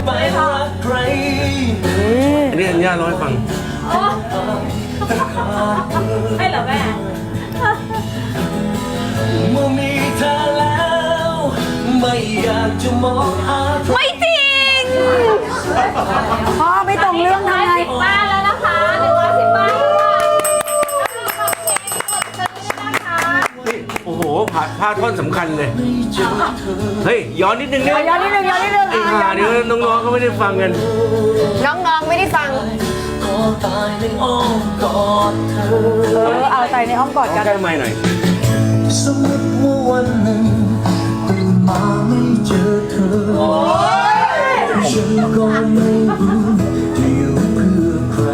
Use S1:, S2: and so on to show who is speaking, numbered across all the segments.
S1: ไปรักใคร
S2: อันนี้อัญญาร้อยฟัง
S3: ให้เหรอแม่
S1: เมื่อมีเธอแล้วไม่อยากจะมองหา
S4: ไม่จริงพ่อไม่ตรงเรื่องทำไง
S3: บ้านแล้วนะคะ110 บ้าน
S2: โอ้โหพลาดท่อนสำคัญเลยเฮ้ยย้อนนิดนึงเนี่ย
S4: ย้อนนิดนึงย้อนนิดนึง
S2: ไอ้ห่านี่น้องๆเขาไม่ได้ฟังกัน
S4: น้องๆไม่ได้ฟัง
S1: ก็ตายในอ้อมกอดเธอ
S4: เอาใจในอ้อมกอดกัน
S2: ใกล้ไมค์หน่อย
S1: สมมติว่าวันหนึ่งตื่นมาไม่เจอเธอฉันก็ไม่รู้จะอยู่เพื่อใคร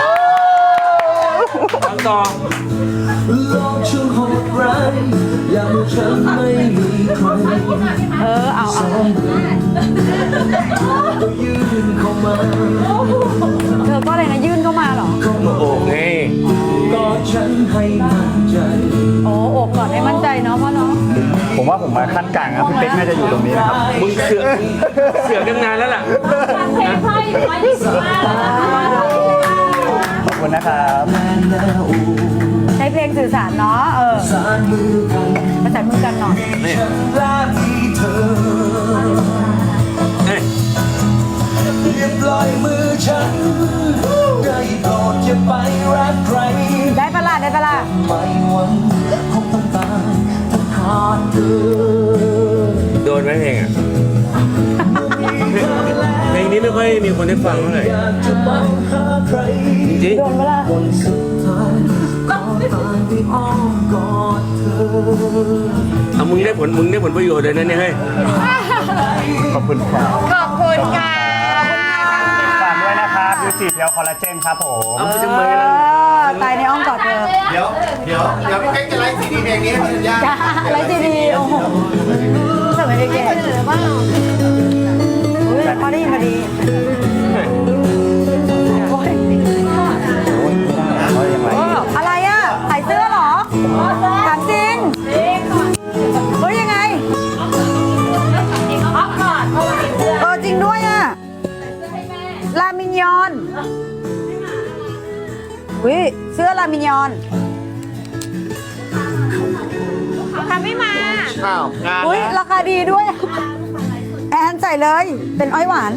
S2: ฟังต่อ
S1: โลกช่างโหดร้ายอยากให้ฉันไม่มีใคร
S4: เอา
S1: ก็ยื่นเข้ามา
S4: เธอก็อะไรนะยื่นเข้ามาเหรอ
S2: โอ้ไง
S1: กอดฉันให้มั่นใจ
S4: โอ้โอบกอดให้มั่นใจเนาะพ่อเนาะ
S5: ผมว่าผมมาขั้นกลางนะพี่เป๊กน่าจะอยู่ตรงนี้นะครับ
S2: มึงเสือกกันนานแล้วล่ะ
S3: เพลงพ่ออยู่125แล้วนะคะ
S5: ขอบคุณนะครับ
S4: ใช้เพลงสื่อสารเนาะประสานมือกันหน่อย
S1: ฉันรักเธออย่าปล่อยมือฉันได้โปรดอย่าไปรักใคร
S4: ได้ปะล่ะ
S1: ไม่หวังคงต้องตายต้องขาดเธอ
S2: โดนไหมเพลงอ่ะเพลงนี้ไม่ค่อยมีคนได้ฟังเท่าไหร่จริง
S4: โดนปะล่ะ
S2: เอามึงได้ผลประโยชน์เลยนะเนี่ยเฮ้ย
S5: ขอบคุณครับ
S4: ขอบคุณค่ะ
S5: ฝากด้วยนะครับยูจิเพียวคอลลาเจนครับผม
S2: เอาไปทำไมล่ะ
S4: ตายในอ้อมกอดเธอ
S5: เดี๋ยวพี่เป๊กจะไลฟ์ซีดีเพลงนี้ให้สัญญา
S4: ไลฟ์ซีดีโอ้โหทำไมได้แก่พอดีอะไรอ่ะขายเสื้อเหรอถามจริงเฮ้ยยังไงจริงด้วยอ่ะลามินยอนวิเสื้อลามินยอน
S3: ทำไม่มา
S4: อุ้ยราคาดีด้วยแอนใส่เลยเป็นอ้อยหวาน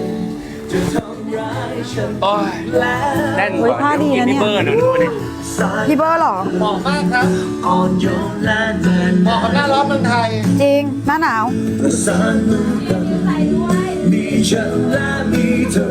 S2: โอ้ยแน่นกว่า
S4: ผ้าดีนะเนี่ย
S2: พี่เบอร์หนึ่งดูดิ
S4: พี่เบอร์หรอ
S5: เหมาะมากครับเหมาะกับหน้าร้อนเมืองไทย
S4: จริงหน้าหนาว
S1: มีฉันและมีเธอ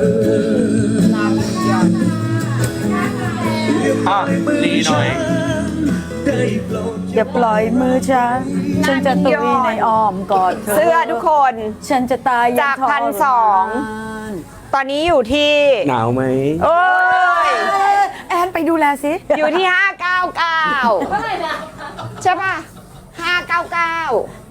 S2: ดีหน่อย
S4: อย่าปล่อยมือฉันจะตุยในอ้อมกอด
S6: เสื้อทุกคน
S4: ฉันจะตาย
S6: จาก1,200ตอนนี้อยู่ที่
S2: หนาวไหม
S6: โอ้ย
S4: แอนไปดูแลสิ
S6: อยู่ที่599ใช่ป่ะ599